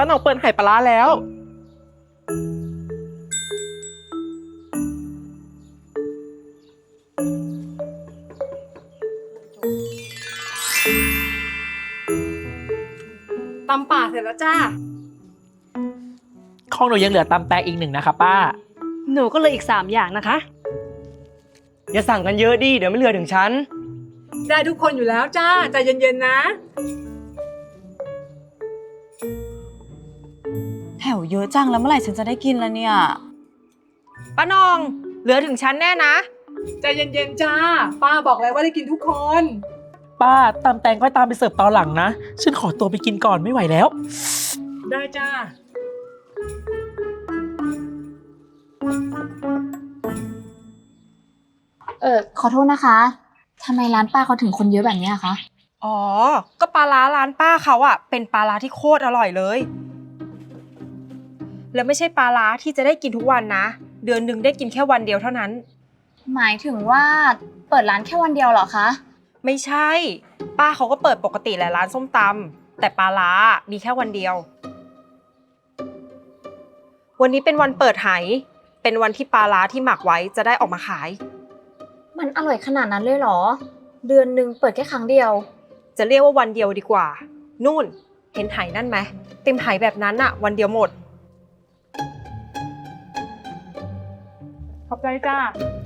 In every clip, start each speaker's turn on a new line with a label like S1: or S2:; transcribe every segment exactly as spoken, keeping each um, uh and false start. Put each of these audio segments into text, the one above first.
S1: าหน่องเปิดไหปลาร้าแล้ว
S2: ตำป่าเสร็จแล้วจ้า
S1: ของหนูยังเหลือตำแตงอีกหนึ่งนะคะป้า
S2: หนูก็เลยอีกสามอย่างนะคะ
S3: อย่าสั่งกันเยอะดิเดี๋ยวไม่เหลือถึงฉัน
S2: ได้ทุกคนอยู่แล้วจ้าใจเย็นๆนะ
S4: แถวเยอะจังแล้วเมื่อไหร่ฉันจะได้กินละเนี่ยป้านองเหลือถึงฉันแน่นะ
S2: ใจเย็นๆจ้าป้าบอกแล้วว่าได้กินทุกคน
S1: ป้าตำแตงก็ตามไปเสิร์ฟตอนหลังนะฉันขอตัวไปกินก่อนไม่ไหวแล้ว
S2: ได้จ้า
S5: เออขอโทษนะคะทำไมร้านป้าเขาถึงคนเยอะแบบนี้อะคะ
S4: อ๋อก็ปลาร้าร้านป้าเขาอะเป็นปลาร้าที่โคตรอร่อยเลยแล้วไม่ใช่ปลาร้าที่จะได้กินทุกวันนะเดือนหนึ่งได้กินแค่วันเดียวเท่านั้น
S5: หมายถึงว่าเปิดร้านแค่วันเดียวเหรอคะ
S4: ไม่ใช่ป้าเขาก็เปิดปกติแหละร้านส้มตำแต่ปลาร้ามีแค่วันเดียววันนี้เป็นวันเปิดไหเป็นวันที่ปลาร้าที่หมักไว้จะได้ออกมาขาย
S5: มันอร่อยขนาดนั้นเลยเหรอเดือนหนึ่งเปิดแค่ครั้งเดียว
S4: จะเรียกว่าวันเดียวดีกว่านู่นเห็นไหนั่นไหมเต็มไหแบบนั้นอะวันเดียวหมด
S2: ขอบใจจ้า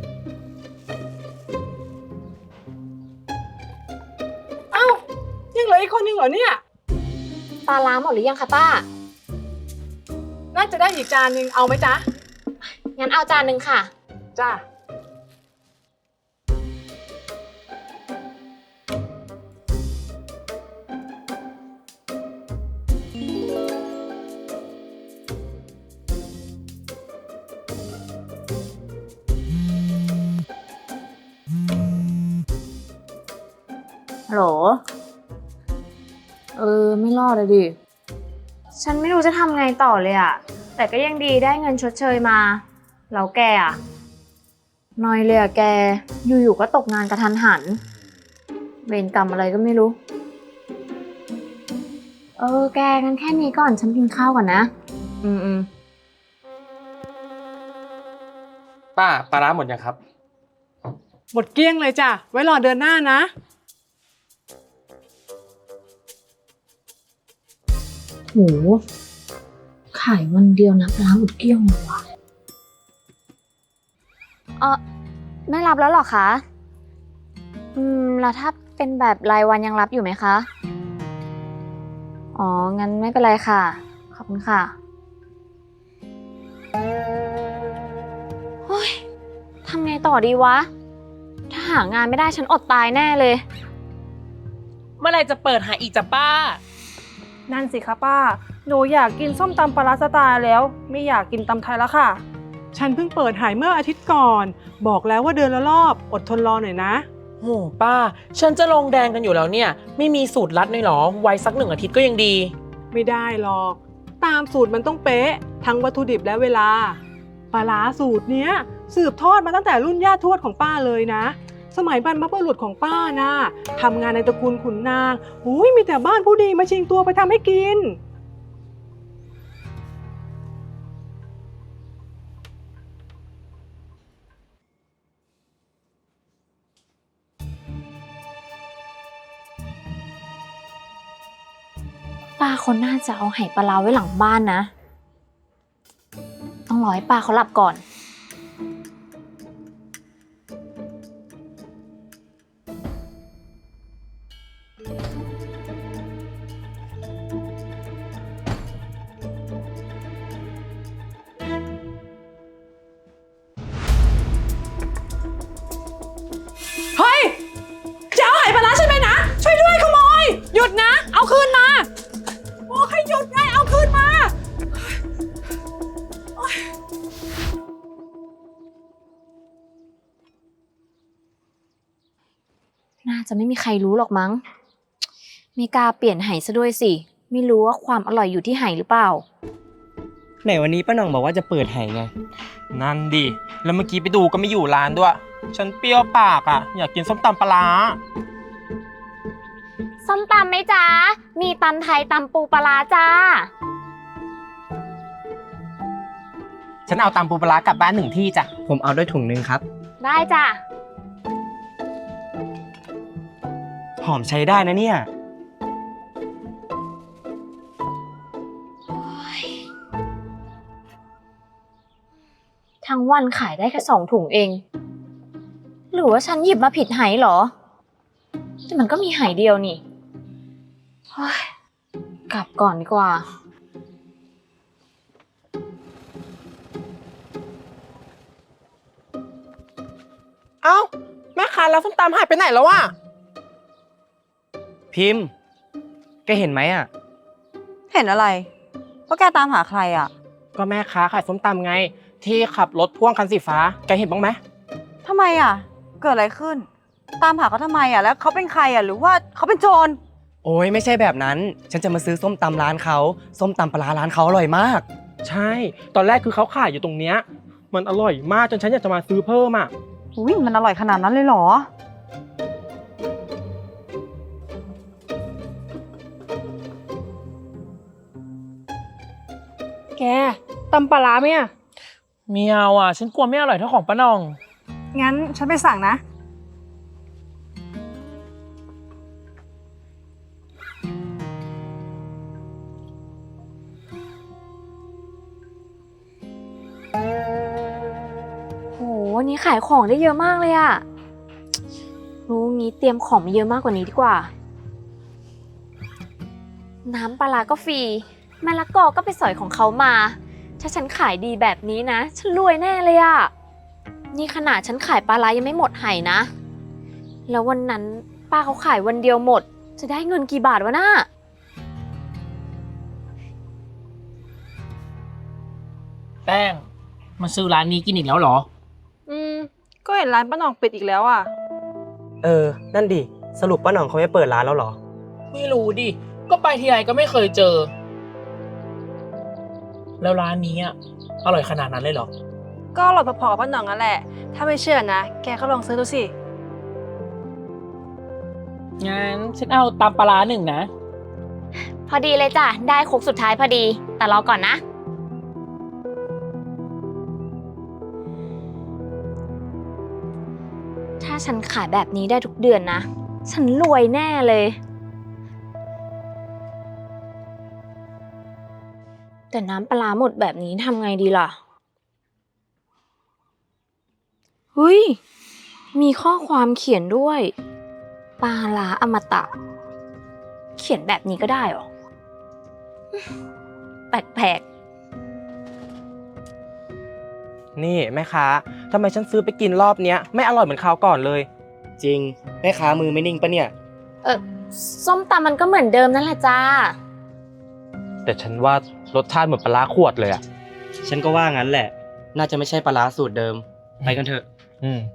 S2: เอ้ายังเหลืออีกคนนึงเหรอเนี่ย
S5: ปลาร้าหมดหรือยังคะป้า
S2: น่าจะได้อีกจานนึงเอาไหมจ๊ะ
S5: งั้นเอาจานนึงค่ะ
S2: จ้า
S5: ฮัลโหลเออไม่รอดเลยดิฉันไม่รู้จะทำไงต่อเลยอะแต่ก็ยังดีได้เงินชดเชยมาแล้วแกอะน้อยเลยอะแกอยู่ๆก็ตกงานกระทันหันเวรกรรมอะไรก็ไม่รู้เออแกงั้นแค่นี้ก่อนฉันกินข้าวก่อนนะอืมอืม
S3: ป้าปลาร้าหมดยังครับ
S2: หมดเกลี้ยงเลยจ้ะไว้รอเดือนหน้านะ
S5: โหขายวันเดียวนะปลาหมดเกลี้ยงเลยวะเออไม่รับแล้วหรอคะอืมแล้วถ้าเป็นแบบรายวันยังรับอยู่ไหมคะอ๋องั้นไม่เป็นไรค่ะขอบคุณค่ะเฮ้ยทำไงต่อดีวะถ้าหางานไม่ได้ฉันอดตายแน่เลย
S1: เมื่อไหร่จะเปิดหาอีกจ้ะป้า
S2: นั่นสิคะป้าหนูอยากกินส้มตำปลาร้าสไตล์แล้วไม่อยากกินตำไทยแล้วค่ะฉันเพิ่งเปิดหายเมื่ออาทิตย์ก่อนบอกแล้วว่าเดือนละรอบอดทนรอหน่อยนะ
S1: โหป้าฉันจะลงแดงกันอยู่แล้วเนี่ยไม่มีสูตรลัดเลยเหรอไว้สักหนึ่งอาทิตย์ก็ยังดี
S2: ไม่ได้หรอกตามสูตรมันต้องเป๊ะทั้งวัตถุดิบและเวลาปลาร้าสูตรเนี้ยสืบทอดมาตั้งแต่รุ่นย่าทวดของป้าเลยนะสมัยบรรพบุรุษของป้านะทำงานในตระกูลขุนนางอุ้ยมีแต่บ้านผู้ดีมาชิงตัวไปทำให้กิน
S5: ป้าคนน่าจะเอาไหปลาร้าไว้หลังบ้านนะต้องรอให้ป้าเขาหลับก่อน
S2: เฮ้ยจะเอาไหปลาร้าใช่ไหมนะช่วยด้วยขโมยหยุดนะเอาคืนมาโอ้ให้หยุดไงเอาคืนมา
S5: น่าจะไม่มีใครรู้หรอกมั้งไม่กล้าเปลี่ยนไหซะด้วยสิไม่รู้ว่าความอร่อยอยู่ที่ไหหรือเปล่า
S3: ไหนวันนี้ป้าหน่องบอกว่าจะเปิดไหไงนั่นดิแล้วเมื่อกี้ไปดูก็ไม่อยู่ร้านด้วยฉันเปรี้ยวปากอ่ะอยากกินส้มตำปลาร้า
S5: ส้มตำไหมจ๊ะมีตำไทยตำปูปลาร้าจ้า
S3: ฉันเอาตำปูปลาร้ากลับบ้านหนึ่งที่จ้ะ
S6: ผมเอาด้วยถุงนึงครับ
S5: ได้จ้ะ
S6: หอมใช้ได้นะเนี่ย
S5: ทั้งวันขายได้แค่สองถุงเอง หรือว่าฉันหยิบมาผิดไหเหรอ แต่มันก็มีไหเดียวนี่เฮ้ยกลับก่อนดีกว่า
S3: เอ้าแม่ค้าแล้วส้มตำหายไปไหนแล้ววะ
S6: พิมพ์ แกเห็นไหมอ่ะ
S4: เห็นอะไรว่าแกตามหาใครอ่ะ
S3: ก็แม่ค้าขายส้มตำไง ที่ขับรถพ่วงคันสีฟ้าแกเห็นบ้างไหม
S4: ทำไมอ่ะ เกิดอะไรขึ้น ตามหาเขาทำไมอ่ะ แล้วเขาเป็นใครอ่ะ หรือว่าเขาเป็นโจร
S6: โอ้ยไม่ใช่แบบนั้น ฉันจะมาซื้อส้มตำร้านเขา ส้มตำปลาร้าร้านเขาอร่อยมาก
S3: ใช่ ตอนแรกคือเขาขายอยู่ตรงเนี้ยมันอร่อยมากจนฉันอยากจะมาซื้อเพิ่มอ่ะ
S4: อุ้ยมันอร่อยขนาดนั้นเลยเหรอ
S2: แกตำปลาร้าไหมอ่ะ
S1: เมียวอ่ะ ฉันกลัวไม่อร่อยเท่าของป้าหน่อง
S2: งั้นฉันไปสั่งนะ
S5: โหวันนี้ขายของได้เยอะมากเลยอะรู้งี้เตรียมของมาเยอะมากกว่านี้ดีกว่า น้ำปลาร้าก็ฟรีมะละกอก็ไปสอยของเขามา ถ้าฉันขายดีแบบนี้นะ ฉันรวยแน่เลยอะนี่ขนาดฉันขายปลาร้ายังไม่หมดไหนะ แล้ววันนั้นป้าเขาขายวันเดียวหมด จะได้เงินกี่บาทวะน่ะ
S1: แป้งมาซื้อร้านนี้กินอีกแล้วเหรอ
S2: อืม ก็เห็นร้านป้าหน่องปิดอีกแล้วอ่ะ
S6: เออ นั่นดิ สรุปป้าหน่องเขาไม่เปิดร้านแล้วเหรอ
S1: ไม่รู้ดิ ก็ไปทีไรก็ไม่เคยเจอ แล้วร้านนี้อ่ะอร่อยขนาดนั้นเลยเหรอ
S2: ก็อร่อยพอๆกับป้าหน่องนั่นแหละ ถ้าไม่เชื่อนะ แกก็ลองซื้อดูสิ
S1: งั้นฉันเอาตำปลาร้าหนึ่งนะ
S5: พอดีเลยจ้ะ ได้โคกสุดท้ายพอดี แต่รอก่อนนะ ถ้าฉันขายแบบนี้ได้ทุกเดือนนะ ฉันรวยแน่เลย แต่น้ำปลาร้าหมดแบบนี้ทำไงดีล่ะเฮ้ย มีข้อความเขียนด้วย ปลาร้าอมตะ เขียนแบบนี้ก็ได้เหรอ แปลก
S3: นี่แม่ค้าทำไมฉันซื้อไปกินรอบเนี้ยไม่อร่อยเหมือนคราวก่อนเลย
S6: จริง แม่ค้ามือไม่นิ่งปะเนี่ย
S5: ๆ เออส้มตำมันก็เหมือนเดิมนั่นแหละจ้า
S3: แต่ฉันว่ารสชาติเหมือนปลาร้าขวดเลยอ่ะ
S6: ฉันก็ว่างั้นแหละ น่าจะไม่ใช่ปลาร้าสูตรเดิม ไปกันเถอะ
S3: อืม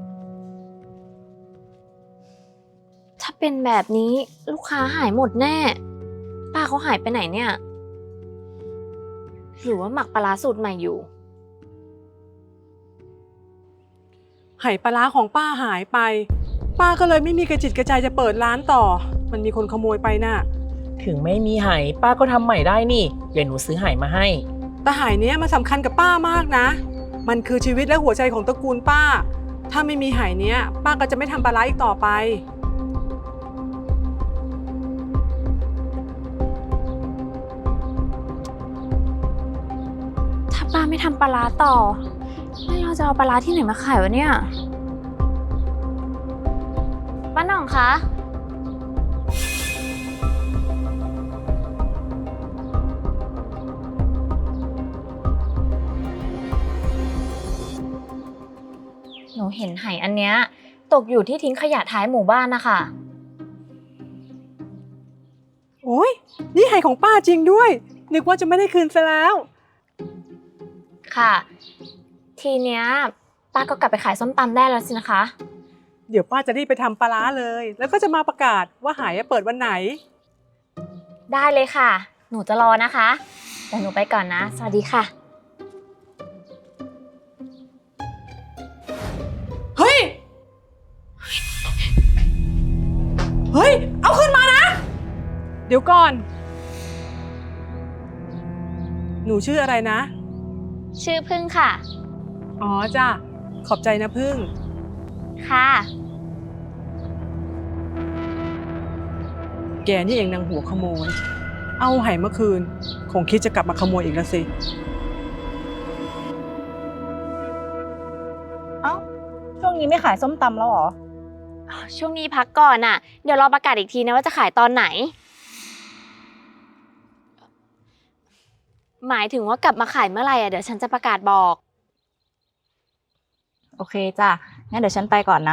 S5: ถ้าเป็นแบบนี้ลูกค้าหายหมดแน่ ป้าเขาหายไปไหนเนี่ย หรือว่าหมักปลาร้าสูตรใหม่อยู่
S2: ไหปลาร้าของป้าหายไป ป้าก็เลยไม่มีกระจิตกระใจจะเปิดร้านต่อ มันมีคนขโมยไปน่ะ
S1: ถึงไม่มีไหป้าก็ทำใหม่ได้นี่ เดี๋ยวหนูซื้อไหมาให้
S2: แต่ไหเนี้ยมันสำคัญกับป้ามากนะ มันคือชีวิตและหัวใจของตระกูลป้า ถ้าไม่มีไหเนี้ย ป้าก็จะไม่ทำปลาร้าอีกต่อไป
S5: ถ้าป้าไม่ทำปลาร้าต่อแล้วเราจะเอาปลาร้าที่ไหนมาขายวะเนี่ยป้าหน่องคะ หนูเห็นไหอันเนี้ยตกอยู่ที่ทิ้งขยะท้ายหมู่บ้านนะคะ
S2: โอ้ยนี่ไหของป้าจริงด้วย นึกว่าจะไม่ได้คืนซะแล้ว
S5: ค่ะ ทีเนี้ยป้าก็กลับไปขายส้มตำได้แล้วสินะคะ
S2: เดี๋ยวป้าจะรีบไปทำปลาร้าเลย แล้วก็จะมาประกาศว่าไหเปิดวันไหน
S5: ได้เลยค่ะ หนูจะรอนะคะแต่หนูไปก่อนนะ สวัสดีค่ะ
S2: เฮ้ย เฮ้ย เอาขึ้นมานะ เดี๋ยวก่อน หนูชื่ออะไรนะ ฉ
S5: ชื่อพึ่งค่ะ
S2: อ๋อจ้ะ ขอบใจนะพึ่ง
S5: ค่ะ
S2: แกนี่เองนางหัวขโมย เอาไหเมื่อคืน คงคิดจะกลับมาขโมยอีกแล้วสิ
S4: เอ้า ช่วงนี้ไม่ขายส้มตำแล้วเหรอ
S5: ช่วงนี้พักก่อนน่ะ เดี๋ยวรอประกาศอีกทีนะว่าจะขายตอนไหน หมายถึงว่ากลับมาขายเมื่อไหร่อ่ะเดี๋ยวฉันจะประกาศบอก
S4: โอเคจ้ะ งั้นเดี๋ยวฉันไปก่อนนะ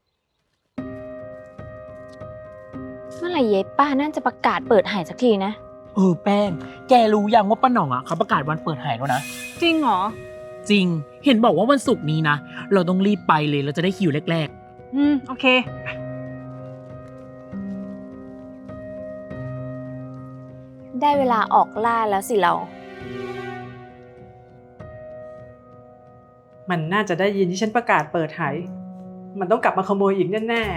S5: เมื่อไหร่เย้ป้านั่นจะประกาศเปิดหายสักทีนะ
S1: เออแป้ง แกรู้ยังว่าป้าหน่องอ่ะเขาประกาศวันเปิดหายแล้วนะ
S4: จริงเหรอ
S1: จริง เห็นบอกว่าวันศุกร์นี้นะ เราต้องรีบไปเลยเราจะได้คิวแรก
S4: อืม โอเค
S5: ได้เวลาออกล่าแล้วสิเรา
S2: มันน่าจะได้ยินที่ฉันประกาศเปิดไหมันต้องกลับมาขโมยอีกแน่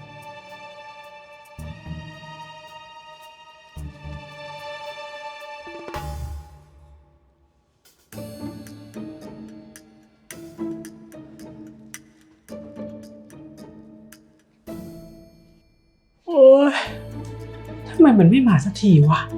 S2: ๆ โอ้ยทำไมมันไม่มาสักทีวะ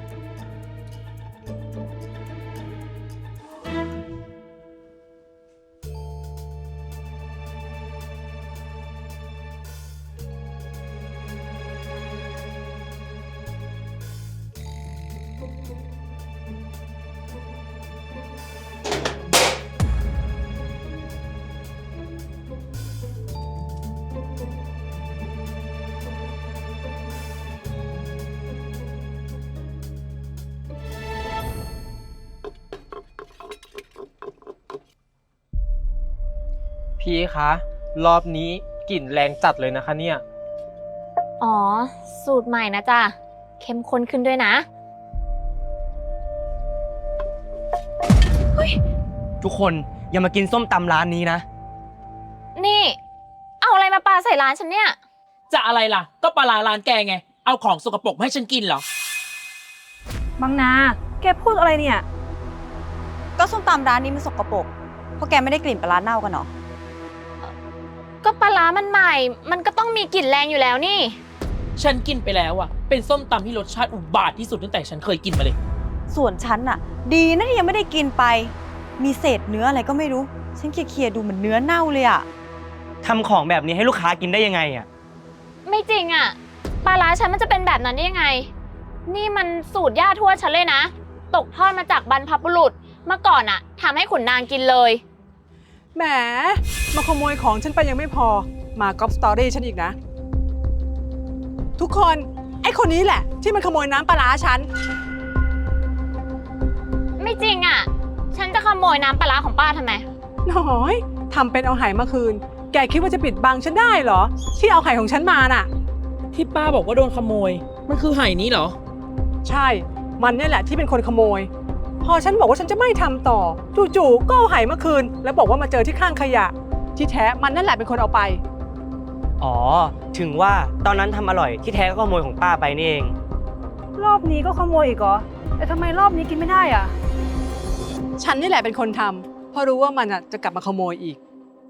S3: พี่คะ รอบนี้กลิ่นแรงจัดเลยนะคะเนี่ย
S5: อ๋อ สูตรใหม่นะจ๊ะ เข้มข้นขึ้นด้วยนะ
S6: ทุกคนอย่ามากินส้มตำร้านนี้นะ
S5: นี่ เอาอะไรมาปาใส่ร้านฉันเนี่ย
S1: ๆ จะอะไรล่ะ ก็ปลาร้าร้านแกไง เอาของสกปรกมาให้ฉันกินเหรอ
S4: บางนา แกพูดอะไรเนี่ย ก็ส้มตำร้านนี้มันสกปรกเพราะแกไม่ได้กลิ่นปลาร้าเน่ากันเหรอ
S5: ก็ปลาร้ามันใหม่ มันก็ต้องมีกลิ่นแรงอยู่แล้วนี่
S1: ฉันกินไปแล้วอ่ะ เป็นส้มตำที่รสชาติอุบาทที่สุดตั้งแต่ฉันเคยกินมาเลย
S4: ส่วนฉันน่ะ ดีนะที่ยังไม่ได้กินไป มีเศษเนื้ออะไรก็ไม่รู้ ฉันเคลียร์ๆดูเหมือนเนื้อเน่าเลยอะ
S6: ทำของแบบนี้ให้ลูกค้ากินได้ยังไงอ่ะ
S5: ไม่จริงอะปลาร้าฉันมันจะเป็นแบบนั้นได้ยังไง นี่มันสูตรย่าทวดฉันเลยนะ ตกทอดมาจากบรรพบุรุษ เมื่อก่อนอะทำให้ขุนนางกินเลย
S2: แหม มาขโมยของฉันไปยังไม่พอ มาก๊อปสตอรี่ฉันอีกนะ ทุกคน ไอ้คนนี้แหละ ที่มันขโมยน้ำปลาร้าฉัน
S5: ไม่จริงอะฉันจะขโมยน้ำปลาร้าของป้าทำไม
S2: น้อยทำเป็นเอาไหมาคืน แกคิดว่าจะปิดบังฉันได้เหรอ ที่เอาไข่ของฉันมาน่ะ
S1: ที่ป้าบอกว่าโดนขโมย มันคือไห่นี้เหรอ
S2: ใช่ มันเนี่ยแหละที่เป็นคนขโมย พอฉันบอกว่าฉันจะไม่ทำต่อ จู่ๆก็เอาไหมาคืน แล้วบอกว่ามาเจอที่ข้างขยะ ที่แท้มันนั่นแหละเป็นคนเอาไป
S6: อ๋อ ถึงว่าตอนนั้นทำอร่อยที่แท้ก็ขโมยของป้าไปนี่เอง
S4: รอบนี้ก็ขโมยอีกเหรอ แต่ทำไมรอบนี้กินไม่ได้อะ
S2: ฉันนี่แหละเป็นคนทำเพราะรู้ว่ามันอ่ะจะกลับมาขโมยอีก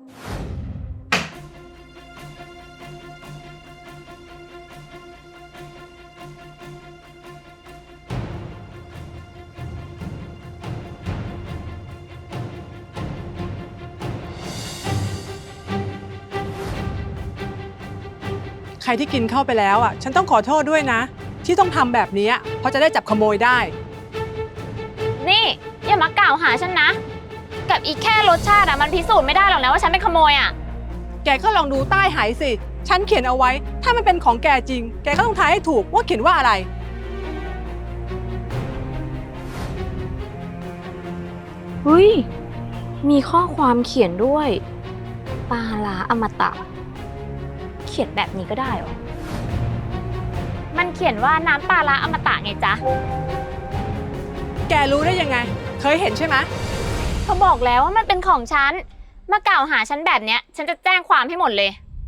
S2: ใครที่กินเข้าไปแล้วอ่ะ ฉันต้องขอโทษด้วยนะ ที่ต้องทำแบบนี้เพราะจะได้จับขโมยได้
S5: นี่อย่ามากล่าวหาฉันนะ กับอีกแค่รสชาติอะมันพิสูจน์ไม่ได้หรอกนะว่าฉันเป็นขโมยอะ
S2: แกก็ลองดูใต้ไหสิ ฉันเขียนเอาไว้ ถ้ามันเป็นของแกจริง แกก็ต้องทายให้ถูกว่าเขียนว่าอะไร
S5: เฮ้ย มีข้อความเขียนด้วยปลาร้าอมตะ เขียนแบบนี้ก็ได้เหรอ มันเขียนว่าน้ำปลาร้าอมตะไงจ๊ะ
S2: แกรู้ได้ยังไง เคยเห็นใช่ไหม
S5: เขาบอกแล้วว่ามันเป็นของฉัน มากล่าวหาฉันแบบเนี้ย ฉันจะแจ้งความให้หมดเลย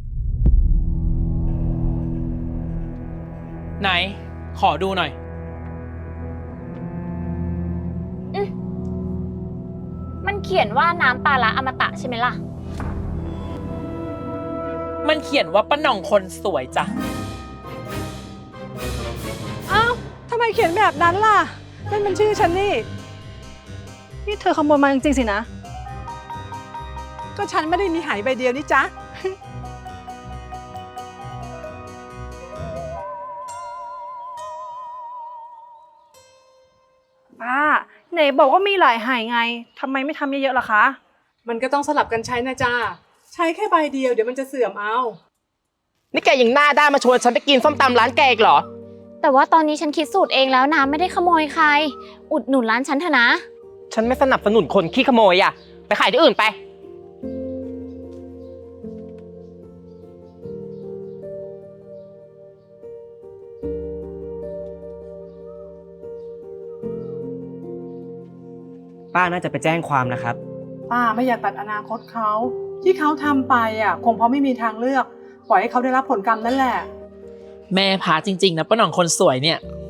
S1: ไหน ขอดูหน่อย
S5: อืมเขียนว่าน้ำปลาร้าอมตะใช่ไหมล่ะ
S1: มันเขียนว่าป้าหน่องคนสวยจ้ะ
S2: เอ้าทำไมเขียนแบบนั้นล่ะนั่นมันชื่อฉันนี่
S4: นี่เธอขโมยมาจริงๆสินะ
S2: ก็ฉันไม่ได้มีหายใบเดียวนี่จ๊ะ
S4: ป้า ไหนบอกว่ามีหลายหายไง ทำไมไม่ทำเยอะๆล่ะคะ
S2: มันก็ต้องสลับกันใช้นะจ้าใช้แค่ใบเดียวเดี๋ยวมันจะเสื่อมเอา
S3: นี่แกยังหน้าด้านมาชวนฉันไปกินส้มตำร้านแกอีกเหรอ
S5: แต่ว่าตอนนี้ฉันคิดสูตรเองแล้วนะไม่ได้ขโมยใคร อุดหนุนร้านฉันเถอะนะ
S3: ฉันไม่สนับสนุนคนขี้ขโมยอ่ะ ไปขายที่อื่นไป
S6: ป้าน่าจะไปแจ้งความนะครับ
S2: ป้าไม่อยากตัดอนาคตเขาที่เขาทำไปอ่ะ คงเพราะไม่มีทางเลือก ปล่อยให้เขาได้รับผลกรรมนั่นแหละ
S1: แม่พาจริงๆนะป้าหน่องคนสวยเนี่ย
S2: อ